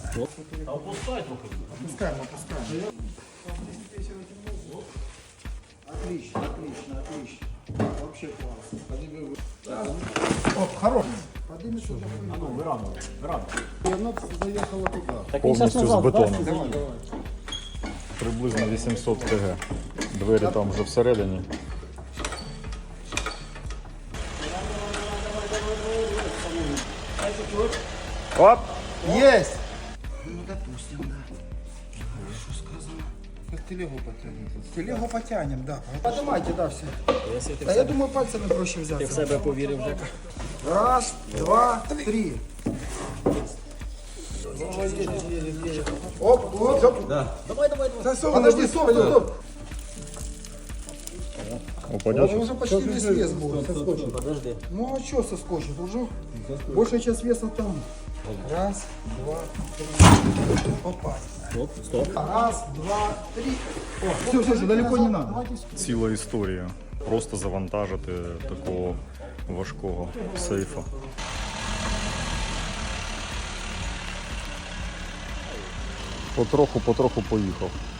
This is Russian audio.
А опускай трохи. Опускаем. Отлично. Вообще классно. Оп, хорош. Подними сюда. Вирануй. И оно заехало туда. Так він зараз Повністю з назад, бетоном. Давай. Приблизно 800 кг. Двері там вже всередині. Оп! Есть! Ну, допустим, да. Хорошо сказано. Как телегу потянем. Телегу потянем, да. Поднимайте, да, все. Да я думаю, пальцами проще взяться. Ти в себе повірив, Жека. Раз, два, три. Оп. Да. Давай. Подожди, стоп. Упадет? Уже почти весь вес был соскочит. Подожди. Ну а что соскочит? Уже большая часть веса там. Раз, два, три. Опа. Стоп. Раз, два, три. Все, далеко не надо. Ціла історія. Просто завантажити такого важкого сейфа. Потроху поїхав.